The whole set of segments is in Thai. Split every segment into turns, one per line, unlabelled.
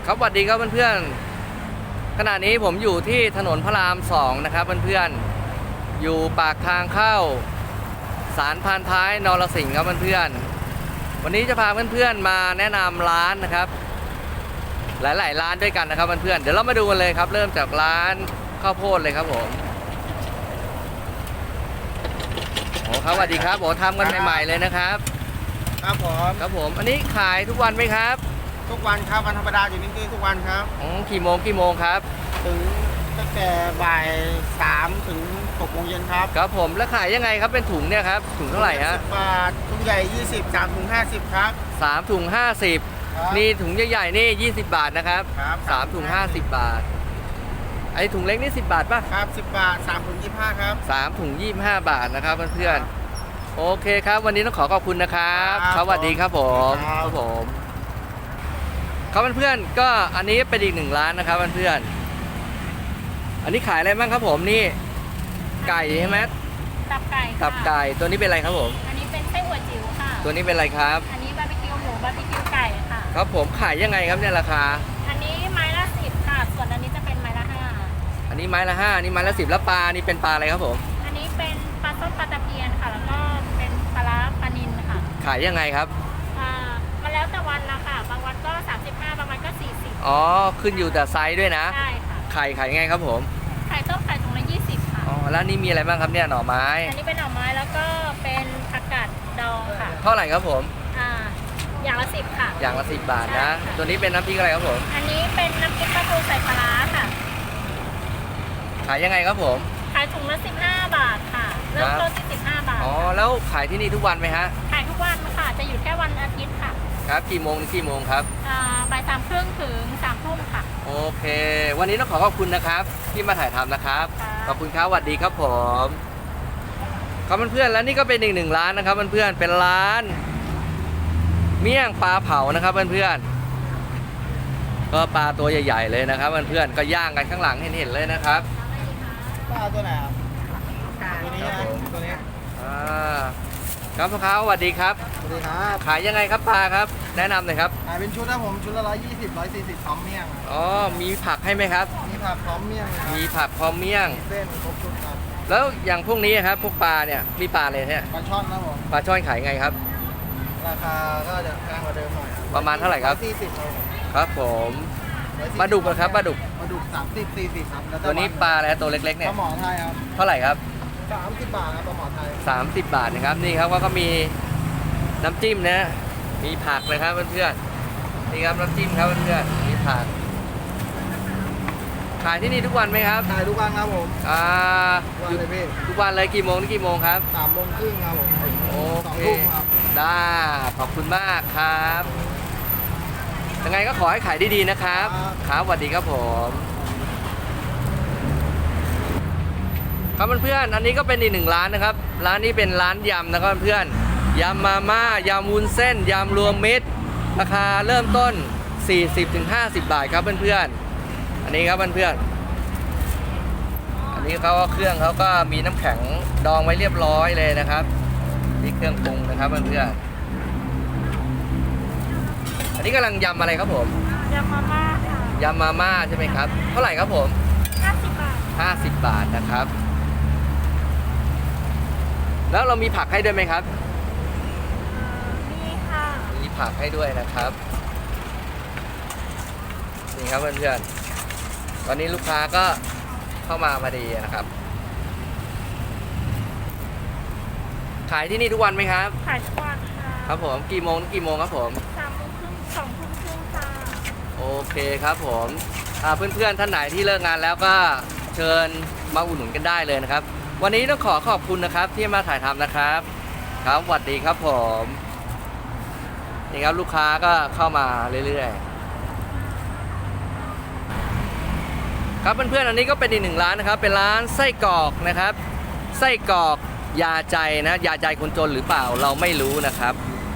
ครับสวัสดีครับเพื่อนๆขณะนี้ผมอยู่ที่ถนนพระราม2นะครับเพื่อนๆอยู่ปากทางเข้าศาลพานท้ายนรสิงห์ครับเพื่อนๆวันนี้จะพาเพื่อนๆมาแนะนำร้านนะครับหลายๆร้านด้วยกันนะครับเพื่อนๆเดี๋ยวเรามาดูกันเลยครับเริ่มจากร้านข้าวโพดเลยครับผมโอ้ครับสวัสดีครับโอ้ทำกันใหม่ๆเลยนะครับ
ครับผม
อันนี้ขายทุกวันไหมครับ
ทุกวันครับวันธรรมดาอยู่นี่ทุกวันครับ
กี่โมงครับ
ถึงตั้งแต่บ่าย3ถึง6 โมงเย็นครับ
ครับผมแล้วขายยังไงครับเป็นถุงเนี่ยครับถุงเท่าไหร่ฮะ
10 บาทถุงใหญ่20 3 ถุง 50ครับ
3 ถุง 50นี่ถุงใหญ่ๆนี่20 บาทนะครับ3 ถุง 50 บาทไอ้ถุงเล็กนี่10 บาทป่ะ
ครับ10 บาท3 ถุง 25ครับ
3 ถุง 25 บาทนะครับเพื่อนๆโอเคครับวันนี้ต้องขอขอบคุณนะครับสวัสดีครับผมครับผมครับเพื่อนๆก็อันนี้เป็นอีก1ร้านนะครับเพื่อนๆอันนี้ขายอะไรบ้างครับผมนี่ไก่ใช่ไหม
ตับไก่
ตับไก่ตัวนี้เป็นอะไรครับผม
อันนี้เป็นไส้อั่วจิ๋วค่ะ
ตัวนี้เป็นอะไรครับ
อันนี้บาร์บีคิวหมูบาร์บีคิวไก่ค่ะ
ครับผมขายยังไงครับเนี่ยราคา
อันนี้ไม้ละ10ค่ะส่วนอันนี้จะเป็นไม้ละ5
อันนี้ไม้ละ5อันนี้ไม้ละ10แล้วปลานี่เป็นปลาอะไรครับผม
อันนี้เป็นปลาส้มปลาตะเพียนค่ะแล้วก็เป็นปลาร้าปลานิลค่ะ
ขายยังไงครับ
มาแล้วแต่วันละค่ะบางวันก็35บางวันก็40
อ๋อขึ้นอยู่แต่ไซส์ด้วยนะ
ใช่ค่ะ
ขายยังไงครับผม
ไข่ต้มไข่ถุงละ20ค่ะ
อ๋อแล้วนี่มีอะไรบ้างครับเนี่ยหน่อไม้
อันนี้เป็นหน่อไม้แล้วก็เป็นผักกาดดองค่ะ
เท่าไหร่ครับผม
อย่างละ10ค่ะ
อย่างละ10 บาทนะตัวนี้เป็นน้ำพริกอะไรครับผม
อันนี้เป็นน้ำพริกปลาทูใส่ปลาร้าค่ะ
ขายยังไงครับผม
ขายถุงละ15 บาทค่ะเริ่มต้นที่15 บาท
อ๋อแล้วขายที่นี่ทุกวันไหมฮะ
ขายทุกวันค่ะจะหยุดแค่วันอาทิตย์ค่ะ
ครับกี่โมงถึงกี่โมงครับ
บ่าย3 ครึ่งถึง3 ทุ่มค่ะ
โอเควันนี้ต้องขอบคุณนะครับที่มาถ่ายทำนะครับขอบคุณครับสวัสดีครับผมครับเพื่อนๆแล้วนี่ก็เป็นอีก1ร้านนะครับเพื่อนๆเป็นร้านเมี่ยงปลาเผานะครับเพื่อนๆก็ปลาตัวใหญ่ๆเลยนะครับเพื่อนๆก็ย่างกันข้างหลังเห็นๆเลยนะครับ
ปลาตัวไหนครับตัวนี้นะตัวนี้
ครับพ่อค้าสวัสดีครับ
สวัสดีครับ
ขายยังไงครับปลาครับแนะนำหน่อยครับ
ขายเป็นชุดนะผมชุดละ120 140พร้อมเมี่ยง
อ๋อมีผักให้ไหมครับ
มีผักพร้อมเมี่ยง
มีผักพร้อมเมี่ยง
เส้นครบชุดครับ
แล้วอย่างพวกนี้ครับพวกปลาเนี่ยมีปลาอะไรเนี่ย
ปลาช่อนนะผม
ปลาช่อนขายไงครับ
ราคาก็จะแพงกว่าเดิมหน่อย
ประมาณเท่าไหร่ครับ
140
ครับผมปลาดุกครับปลาดุก
30 40ครับ
ตัวนี้ปลาอะไรตัวเล็กๆเนี่ย
ปลาหมอไทยครับ
เท่าไหร่ครับ
30 บาทครับปลาหมอไทย
30 บาทนะครับนี่ครับก็มีน้ำจิ้มนะมีผักเลยครับเพื่อนๆนี่ครับน้ำจิ้มครับเพื่อนๆมีผักขายที่นี่ทุกวันไหมครับ
ขายทุกวันครับผม
ทุกวันเลยกี่โมงถึงกี่โมงครับ
3 โมงครึ่งครับผม
โอเค
2 ทุ่มครับ
ได้ขอบคุณมากครับยังไงก็ขอให้ขายดีๆนะครับครับสวัสดีครับผมครับเพื่อนๆอันนี้ก็เป็นอีก1ร้านนะครับร้านนี้เป็นร้านยำนะครับเพื่อนยำมาม่ายำวุ้นเส้นยำรวมมิตรราคาเริ่มต้น 40-50 บาทครับเพื่อนๆอันนี้ครับเพื่อนๆอันนี้เขาเครื่องเขาก็มีน้ำแข็งดองไว้เรียบร้อยเลยนะครับนี่เครื่องปรุงนะครับเพื่อนๆอันนี้กำลังยำอะไรครับผม
ยำมาม่าค่ะ
ยำมาม่าใช่ไหมครับเท่าไหร่ครับผม
50 บาท
50 บาทนะครับแล้วเรามีผักให้ด้วยไหมครับ
มีค่ะ
มีผักให้ด้วยนะครับนี่ครับเพื่อนๆตอนนี้ลูกค้าก็เข้ามาพอดีนะครับขายที่นี่ทุกวันไหมครับ
ขายทุกวันค่ะ
ครับผมกี่โมงถึงกี่โมงครับผม
3 โมงครึ่ง2 ทุ่มครึ่งค่ะ
โอเคครับผมเพื่อนๆท่านไหนที่เลิกงานแล้วก็เชิญมาอุดหนุนกันได้เลยนะครับวันนี้ต้องขอบคุณนะครับที่มาถ่ายทำนะครับครับสวัสดีครับผมนี่ครับลูกค้าก็เข้ามาเรื่อยๆครับเพื่อนๆอันนี้ก็เป็นอีก1ร้านนะครับเป็นร้านไส้กรอกนะครับไส้กรอกยาใจนะยาใจคนจนหรือเปล่าเราไม่รู้นะครับ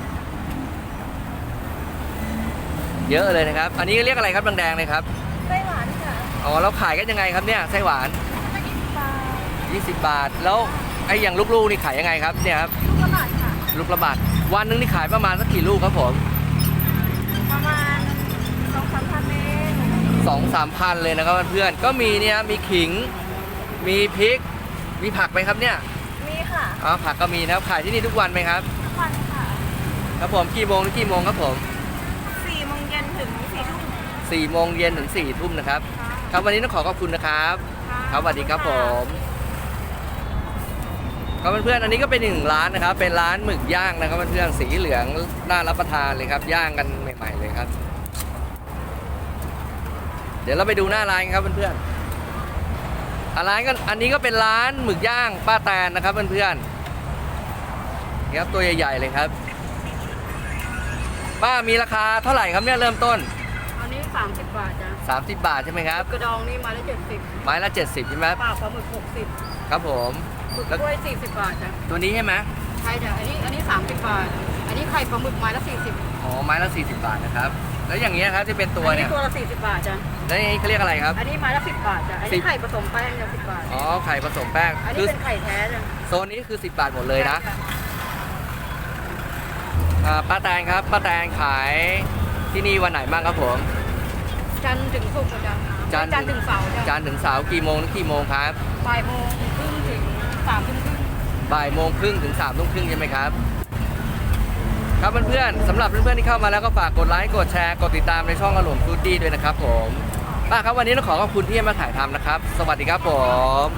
เยอะเลยนะครับอันนี้เรียกอะไรครับแดงๆเลยครับ
ไส้หวานค่ะ
อ๋อเราขายกันยังไงครับเนี่ยไส้หวาน20 บาทแล้วไอ้อย่างลูกๆนี่ขายยังไงครับเนี่ยครับ
ลูกละบาทค่ะ
ลูกละบาทวันนึงนี่ขายประมาณสักกี่ลูกครับผม
ประมาณ2-3 พันเมตร
2-3 พันเลยนะครับเพื่อนๆก็มีเนี่ยมีขิงมีพริกมีผักไหมครับเนี่ย
มีค่ะ
อ๋อผักก็มีนะครับขายที่นี่ทุกวันไหมครับ
ทุกวันค่ะ
ครับผมกี่โมงถึงกี่โมงครับผม
4 โมงเย็นถึง 4 ทุ่ม
4 โมงเย็นถึง 4 ทุ่มนะครับครับวันนี้ต้องขอขอบคุณนะครับครับสวัสดีครับผมครับเพื่อนๆอันนี้ก็เป็น1ร้านนะครับเป็นร้านหมึกย่างนะครับเพื่อนๆสีเหลืองน่ารับประทานเลยครับย่างกันใหม่ๆเลยครับเดี๋ยวเราไปดูหน้าร้านครับเพื่อนๆร้านก็อันนี้ก็เป็นร้านหมึกย่างป้าแตนนะครับเพื่อนๆนี่ครับตัวใหญ่ๆเลยครับป้ามีราคาเท่าไหร่ครับเนี่ยเริ่มต้น
อันนี้ 30 บาทจ้ะ
30 บาทใช่ไหมครับ
กระดองนี่มาละ70
ไม้ละ70ใช่ไหมครับ
ปลาปลาหมึก
ครับผม
60หมึกกล้วย 40 บาทจ้ะ
ตัวนี้ใช่ไหม
ใช่จ้ะอันนี้ 30 บาท อันนี้ไข่ปลาหมึกไม้ละ 40
อ๋อไม้ละ40 บาทนะครับแล้วอย่างเงี้ยครับที่เป็นตัว
อัน
เนี่
นี้
ย
ตัวละ 40 บาทจ้ะ
แล้วอย่างนี้เขาเรียกอะไรครับ
อันนี้ไม้ละ 10 บาทจ้ะ อันนี้ไข่ผสมแป้งจ้ะ10 บาท
อ๋อไข่ผสมแป้ง
อัน
คื
นี้
อ
เป็นไข่แท้จ้ะ
โซนนี้คือ10 บาทหมดเลยนะ
ใช่ค่
ป้าแตงครับป้าแตงขายที่นี่วันไหนบ้างครับผม
จันทร์ถึงศุกร์จ้ะ
จันทร์
จันทร์ถึงเสาร์จ้ะ
จันทร์ถึงเสาร์กี่โมงถึงกี่โมงครับ
บ่ายโมงครึ่งถึง3 ทุ่มครึ่ง
บ่ายโมงครึ่งถึง3 ทุ่มครึ่งใช่ไหมครับครับเพื่อนๆสำหรับเพื่อนๆที่เข้ามาแล้วก็ฝากกดไลค์กดแชร์กดติดตามในช่องอารมณ์ฟูดดี้ด้วยนะครับผมป้าครับวันนี้ต้องขอขอบคุณที่มาถ่ายทำนะครับสวัสดีครับผม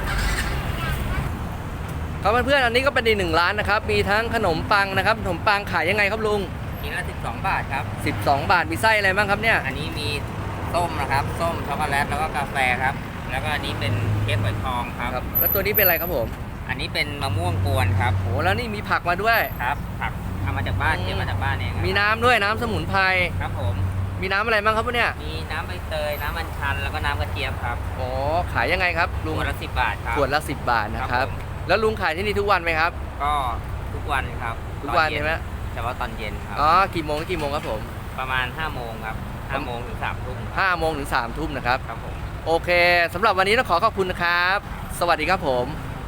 ครับเพื่อนๆอันนี้ก็เป็นอีก1ร้านนะครับมีทั้งขนมปังนะครับขนมปังขายยังไงครับลุง
กินละ12 บาทครับ
12 บาทมีไส้อะไรบ้างครับเนี่ย
อันนี้มีส้มนะครับ ส้มช็อกโกแลตแล้วก็กาแฟครับ แล้วก็อันนี้เป็นเค้กฝอยทองครับ
ครับแล้วตัวนี้เป็นอะไรครับผม
อันนี้เป็นมะม่วงกวนครับ
โหแล้วนี่มีผักมาด้วย
ครับผักเอามาจากบ้านเก็บมาจากบ้านเองครับ
มีน้ำด้วยน้ำสมุนไพร
ครับผม
มีน้ำอะไรบ้างครับเนี่ย
มีน้ำใบเตย น้ำอัญชัน แล้วก็น้ำกระเจี๊ยบครับ
อ๋อขายยังไงครับลุง
ขวดละ10 บาทครับ
ขวดละ10 บาทนะครับ
ผม
แล้วลุงขายที่นี่ทุกวันไหมครับ
ก็ทุกวันครับ
ทุกวัน
ตอเย็
ใช่ไหม
เฉพาะตอนเย็นครับ
อ๋อกี่โมงถึงกี่โมงครับผม
ประมาณ5 โมงครับ5 โมงถึง3 ทุ่มครับ
5 โมงถึง3 ทุ่มนะครับ
ครับผม
โอเคสำหรับวันนี้ต้องขอขอบคุณนะครับ สวัสดีครับผม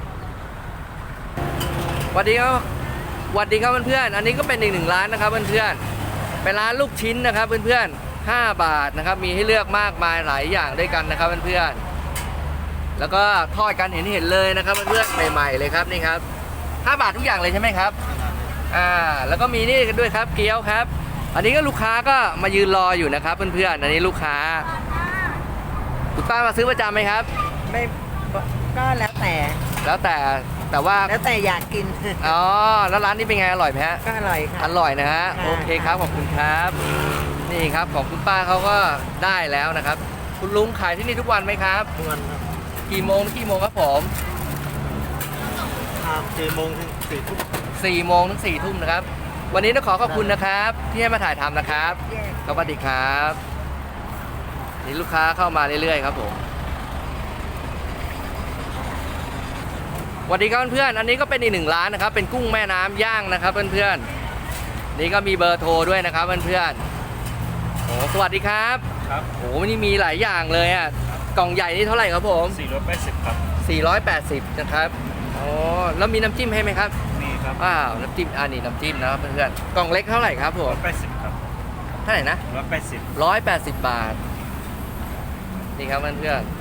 สวัสดีครับสวัสดีครับเพื่อนๆอันนี้ก็เป็นอีก1ร้านนะครับเพื่อนๆเป็นร้านลูกชิ้นนะครับเพื่อนๆ5 บาทนะครับมีให้เลือกมากมายหลายอย่างด้วยกันนะครับเพื่อนๆแล้วก็ทอดกันเห็นเลยนะครับเพื่อนๆใหม่ๆเลยครับนี่ครับ5 บาททุกอย่างเลยใช่ไหมครับแล้วก็มีนี่กันด้วยครับเกี๊ยวครับ อันนี้ก็ลูกค้าก็มายืนรออยู่นะครับเพื่อนๆอันนี้ลูกค้าคุณป้ามาซื้อประจำไหมครับ
ไม่ก็แล้วแต่
แล้วแต่ว่า
แล้วแต่อยากกิน
อ๋อแล้วร้านนี้เป็นไงอร่อยไหมฮะ
ก็อร่อยค่ะ
อร่อยนะฮะ
ค่ะ
โอเคครับขอบคุณครับ นี่ครับของคุณป้าเขาก็ได้แล้วนะครับ คุณลุงขายที่นี่ทุกวันไหมครับ
ทุกวันครับ
กี่โมงถึงกี่โมงครับผม
4 โมงถึง 4 ทุ่ม
4 โมงถึง4 ทุ่มนะครับ วันนี้ต้องขอขอบคุณนะครับ ที่ให้มาถ่ายทำนะครับ
แยก
สวัสดีครับนี่ลูกค้าเข้ามาเรื่อยๆครับผมสวัสดีครับเพื่อนๆอันนี้ก็เป็นอีก1ร้านนะครับ เป็นกุ้งแม่น้ำย่างนะครับเพื่อนๆนี่ก็มีเบอร์โทรด้วยนะครับเพื่อนๆโอ้สวัสดีครับ
ครับ
โอ้นี่มีหลายอย่างเลยอ่ะกล่องใหญ่นี่เท่าไหร่ครับผม
480ครับ
480นะครับอ๋อแล้วมีน้ำจิ้มให้ไหมครับ
นี่ครับ
ว้าวน้ำจิ้มนี่น้ำจิ้มนะครับเพื่อนๆกล่องเล็กเท่าไหร่ครับผม
180ครับ
เท่าไหร่นะ
180
180 บาท นี่ครับเพื่อน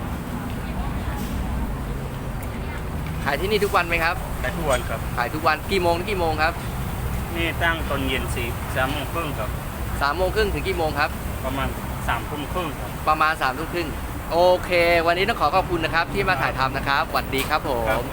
ๆขายที่นี่ทุกวันไหมครับ
ได้ทุกวันครับ
ขายทุกวันกี่โมงถึงกี่โมงครับ
นี่ตั้งตอนเย็น3 โมงครึ่งครับ
3 โมงครึ่งถึงกี่โมงครับ
ประมาณ3 ทุ่มครึ่งครับ
ประมาณ3 ทุ่มครึ่งโอเค วันนี้ต้องขอขอบคุณนะครับที่มาถ่ายทำนะครับสวัสดีครับผม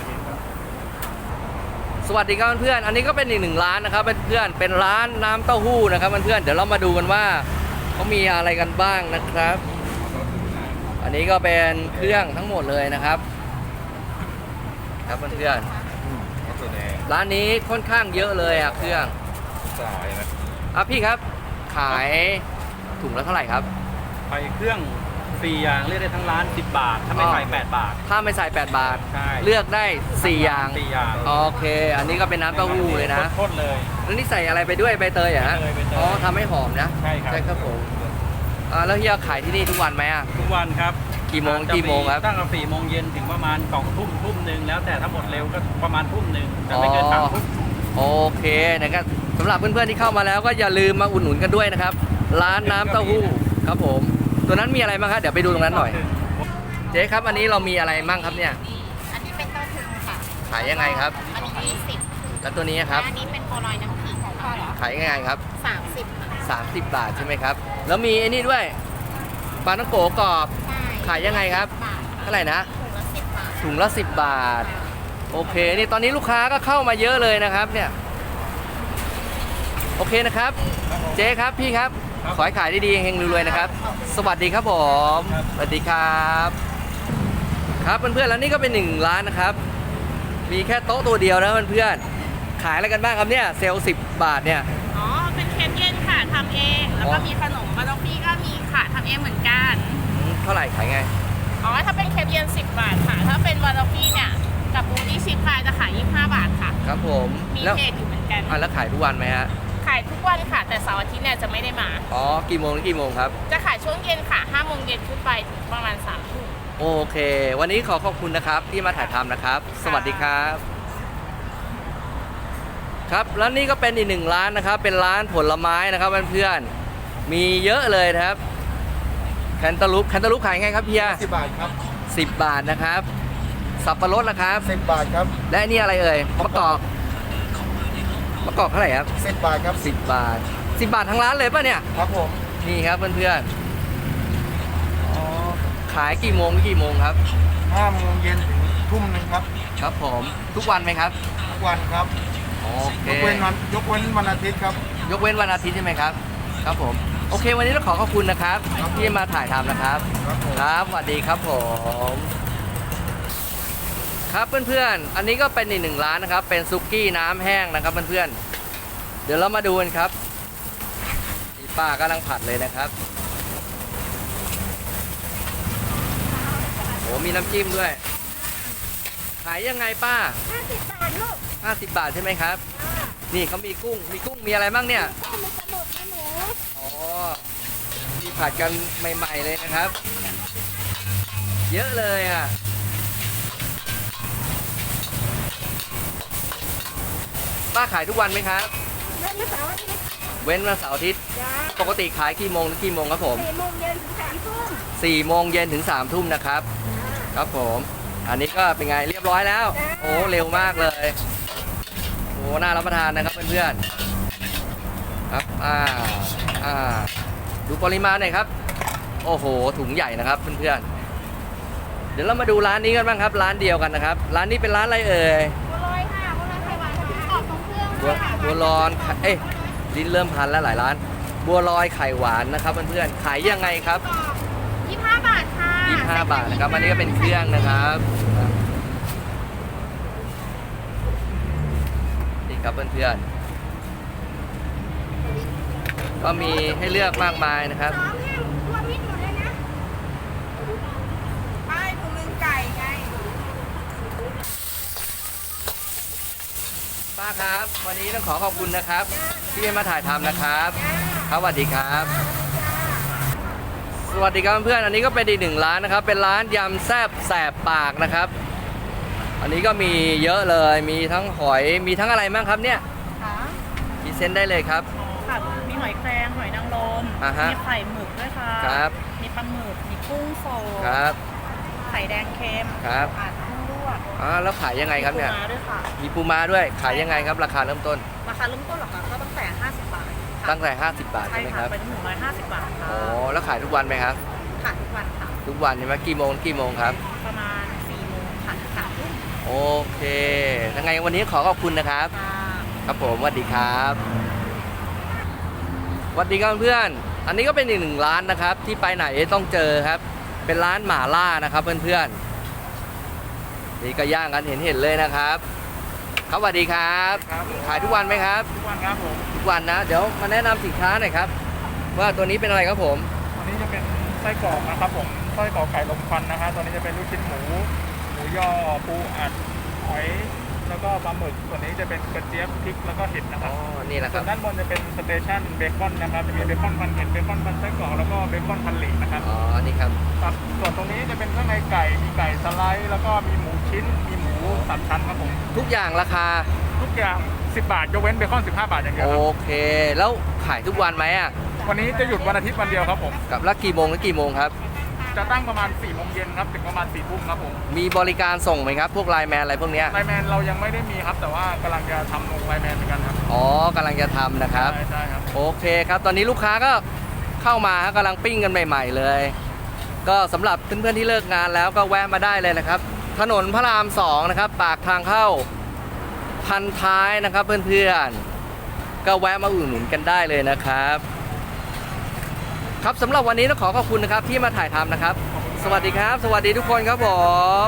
สวัสดีครับเพื่อนๆอันนี้ก็เป็นอีก1ร้านนะครับเพื่อนๆเป็นร้านน้ำเต้าหู้นะครับเพื่อนๆเดี๋ยวเรามาดูกันว่าเขามีอะไรกันบ้างนะครับ อันนี้ก็เป็นเครื่องทั้งหมดเลยนะครับ ครับเพื่อนๆร้านนี้ค่อนข้างเยอะเลยอะเครื่องพี่ครับขายถุงละเท่าไหร่ครับ
ไปเครื่อง4อย่างเลือกได้ทั้งร้าน10 บาท ถ้าไม่ใส่8 บาท
ถ้าไม่ใส่8 บาท
ใช่
เลือกได้4อย่าง
4 อย่าง
โอเค อันนี้ก็เป็นน้ำเต้าหู้เลยนะ
โคตรเลย
แล้วนี่ใส่อะไรไปด้วยใบเตยเหรอฮะ
ใบเตย
อ๋อทำให้หอมนะ
ใช่ครับ
ใช่ครับผมแล้วเฮียขายที่นี่ทุกวันไหมอ่ะ
ทุกวันครับ
กี่โมง
จะ
กี่โมงครับ
ตั้งแต่4 โมงเย็นถึงประมาณ2 ทุ่มทุ่มหนึ่งแล้วแต่ถ้าหมดเร็วก็ประมาณทุ่มหนึ่งแต่ไม่เกิน3 ทุ่ม
โอเคนะครับสำหรับเพื่อนๆที่เข้ามาแล้วก็อย่าลืมมาอุดหนุนกันด้วยนะครับ ร้านน้ำเต้าหู้ครับผมตัวนั้นมีอะไรบ้างครับเดี๋ยวไปดูตรงนั้นหน่อย เจ๊ครับอันนี้เรามีอะไรบ้างครับเนี่ย
อันนี้เป็นต้นทุนค่ะ
ขายยังไงครับ
อันนี้20
แล้วตัวนี้ครับ
อันนี้เป็นโปรลอยน้ำขิงของพ่อเหรอ
ขายยังไงครับ
30 ค่ะ
30 บาทใช่ไหมครับ แล้วมีไอ้นี่ด้วยปลาท่องโกกรอบ
ใช่
ขายยังไงครับ
บาท
เท่าไหร่นะ
ถุงละ10 บาท
ถุงละ10 บาท โอเค นี่ตอนนี้ลูกค้าก็เข้ามาเยอะเลยนะครับเนี่ย โอเคนะครับ เจ๊ครับพี่ครับ ขอให้ขายดีๆเฮงๆรวยๆนะครับ สวัสดีครับผม สวัสดีครับ ครับเพื่อนๆแล้วนี่ก็เป็น1ร้านนะครับ มีแค่โต๊ะตัวเดียวนะเพื่อนๆ ขายอะไรกันบ้างครับเนี่ย เซลล์10 บาทเนี่ย
อ๋อ เป็นเค้กเย็นค่ะทำเอง แล้วก็มีขนมบานอฟฟี่ก็มีค่ะทำเองเหมือนกัน
เท่าไหร่ขายไง
อ๋อ ถ้าเป็นเค้กเย็น10 บาทค่ะ ถ้าเป็นบานอฟฟี่เนี่ยกับบูดี้ชิพพายจะขาย25 บาทค่ะ
ครับผม
มี
แล้ว
เพจอยู่เหมือนกัน
แล้วขายทุกวันไหมฮะ
ขายทุกวันค่ะ แต่เสาร์อาทิตย์เนี่ยจะไม่ได้มา
อ๋อ กี่โมงถึงกี่โมงครับ
จะขายช่วงเย็นค่ะ5โมงเย็นขึ้นไปถึงประมาณ3 ทุ่ม
โอเค วันนี้ขอขอบคุณนะครับที่มาถ่ายทำนะครับ สวัสดีครับ ครับ แล้วนี่ก็เป็นอีก1ร้านนะครับ เป็นร้านผลไม้นะครับเพื่อนๆ มีเยอะเลยนะครับ แคนตาลูปขายไงครับเพีย
10 บาทครับ
10 บาทนะครับ สับปะรดนะครับ
10 บาทครับ
และนี่อะไรเอ่ยมะกอกเท่าไหร่ครับ
10 บาทครับ
10 บาท 10 บาททั้งร้านเลยป่ะเนี่ย
ครับผม
นี่ครับเพื่อนๆอ๋อขายกี่โมงถึงกี่โมงครับ
5 โมงเย็นถึงทุ่มหนึ่งครับ
ครับผมทุกวันไหมครับ
ทุกวันครับ
โอเค
ยกเว้นวันอาทิตย์ครับ
ยกเว้นวันอาทิตย์ใช่ไหมครับ ครับผม โอเค วันนี้ต้องขอขอบคุณนะครับ ที่มาถ่ายทำนะครับ
ครับผม
ครับสวัสดีครับผม ครับเพื่อนๆ อันนี้ก็เป็นอีก1ร้านนะครับ เป็นซุกี้น้ำแห้งนะครับเพื่อนๆ เดี๋ยวเรามาดูกันครับนี่ป้ากำลังผัดเลยนะครับโอ้มีน้ำจิ้มด้วย ขายยังไงป้า
50 บาทลูก
50 บาทใช่ไหมครับ นี่เขามีกุ้งมีอะไรบ้างเนี่ย
ข้าวมันกระดูกมีหมู
อ๋อมีผัดกันใหม่ๆเลยนะครับ เยอะเลยอ่ะ ป้าขายทุกวันไหมครับ
เล่นเสาร์อาทิตย์
เว้นวันเสาร์อาทิตย์
จ้า
ปกติขายกี่โมงถึงกี่โมงครับผม
4 โมงเย็นถึง3 ทุ่ม
4 โมงเย็นถึง 3 ทุ่มนะครับ ครับผม อันนี้ก็เป็นไงเรียบร้อยแล้ว โอ้เร็วมากเลย โอ้น่ารับประทานนะครับเพื่อนๆ ครับ ดูปริมาณหน่อยครับ โอ้โห ถุงใหญ่นะครับเพื่อนๆ เดี๋ยวเรามาดูร้านนี้กันบ้างครับ ร้านเดียวกันนะครับ ร้านนี้เป็นร้านอะไรเอ่ย
บัวลอยค่ะบัวลอยไข่หวานกรอบของเครื่อง
บัวลอยเอ้ยลิ้นเริ่มพันแล้วหลายร้าน บัวลอยไข่หวานนะครับเพื่อนๆ ขายยังไงครับ
25 บาทค่ะ
25 บาทนะครับ อันนี้ก็เป็นเครื่องนะครับนี่ครับเพื่อนๆ ก็มีให้เลือกมากมายนะครับ
น้องแห้งรวมมิตรหมดเลยนะ
ใช่ถุงนึงไก่ไง
ป้าครับ วันนี้ต้องขอขอบคุณนะครับ ที่ให้มาถ่ายทำนะครับ ครับสวัสดีครับ สวัสดีครับเพื่อนๆ อันนี้ก็เป็นอีก1ร้านนะครับ เป็นร้านยำแซ่บแสบปากนะครับ อันนี้ก็มีเยอะเลย มีทั้งหอย มีทั้งอะไรบ้างครับเนี่ย
ค่ะ
พรีเซนต์ได้เลยครับ
ค่ะ มีหอยแครงหอยนางรม
อ่าฮะ
มีไข่หมึกด้วยค่ะ
ครับ
มีปลาหมึก มีกุ้งโสด
ครับ
ไข่แดงเค็ม
ครับ
ผัดกุ้งลวก
แล้วขายยังไงครับเนี่ย
ปูม้าด้วยค่ะ
มีปูม้าด้วย ขายยังไงครับ ราคาเริ่มต้น
ราคาเริ่มต้นเหรอคะก็ตั้งแต่ 50 บาทค่ะ
ตั้งแต่50 บาท
ใช่
ใช่ไหมค
ค่ะ
รับ
เป็น150 บาทค่ะ
อ๋อ แล้วขายทุกวันไหมครับ
ค่ะทุกวันค่ะ
ทุกวันใช่ไหมกี่โมงถึงกี่โมงครับ
ประมาณ4 โมงค่ะถึง3 ทุ่ม
โอเคยังไงวันนี้ขอขอบคุณนะครับ
ค่ะ
ครับผมสวัสดีครับสวัสดีครับเพื่อนอันนี้ก็เป็นอีก1ร้านนะครับ ที่ไปไหนต้องเจอครับ เป็นร้านหม่าล่านะครับเพื่อนๆนี่ก็ย่างกันเห็นเลยนะครับครับสวัสดีครับ
ครับ
ขายทุกวันไหมครับ
ทุกวันครับผม
ทุกวันนะ เดี๋ยวมาแนะนำสินค้าหน่อยครับ ว่าตัวนี้เป็นอะไรครับผม
วันนี้จะเป็นไส้กรอกนะครับผมไส้กรอกไก่ลมควันนะครับตัวนี้จะเป็นลูกชิ้นหมูย่อปูอัดหอยแล้วก็ปลาหมึกส่วนนี้จะเป็นกระเจี๊ยบพริกแล้วก็เห็ดนะค
อ๋
รั
อบ นี่แหละค
ส่
รั
ว
บ
นด้านบนจะเป็นสเตชันเบคอนนะครับจะมีเบคอนพันเห็ดเบคอนพันไส้กรอกแล้วก็เบคอนพันหลีนะครับ
อ๋อนี่ครับ
ครับส่วนตรงนี้จะเป็นข้างในไก่มีไก่สไลด์แล้วก็มีหมูชิ้นมีหมู3 ชั้นครับผม
ทุกอย่างราคา
ทุกอย่าง10 บาทยกเว้นเบคอน15 บาทอย่างเดียว
โอ
ครับ
เค แล้วขายทุกวันไหมอ่ะ
ทวันนี้จะหยุดวันอาทิตย์วันเดียวครับผม
กับแล้วกี่โมงถึงกี่โมงครับ
จะตั้งประมาณ4 โมงเย็นครับถึงประมาณ4 ทุ่มครับผม
มีบริการส่งไหมครับ พวกไลน์แมนอะไรพวกเนี้ย
ไลน์แมนเรายังไม่ได้มีครับ แต่ว่ากำลังจะทำลงไลน์แมนเหมือนกันครับ
อ๋อกำลังจะทำนะครับ
ใช่ครับ
โอเคครับ ตอนนี้ลูกค้าก็เข้ามาฮะกำลังปิ้งกันใหม่ๆเลย ก็สำหรับเพื่อนๆที่เลิกงานแล้วก็แวะมาได้เลยนะครับ ถนนพระราม2นะครับปากทางเข้าพันท้ายนะครับเพื่อนๆก็แวะมาอุดหนุนกันได้เลยนะครับ ครับสำหรับวันนี้ต้องขอขอบคุณนะครับที่มาถ่ายทำนะครับ สวัสดีครับ สวัสดีทุกคนครับผม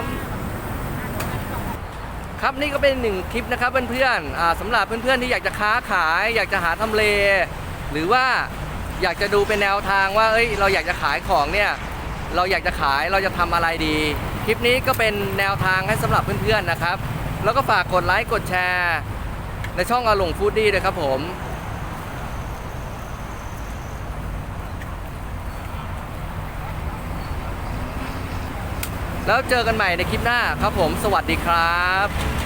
ครับนี่ก็เป็นหนึ่งคลิปนะครับเพื่อนๆสำหรับเพื่อนๆที่อยากจะค้าขาย อยากจะหาทำเล หรือว่าอยากจะดูเป็นแนวทางว่าเอ้ยเราอยากจะขายของเนี่ยเราอยากจะขายเราจะทำอะไรดี คลิปนี้ก็เป็นแนวทางให้สำหรับเพื่อนๆนะครับแล้วก็ฝากกดไลค์กดแชร์ในช่องอาหลงฟู้ดดี้ด้วยครับผมแล้วเจอกันใหม่ในคลิปหน้าครับผมสวัสดีครับ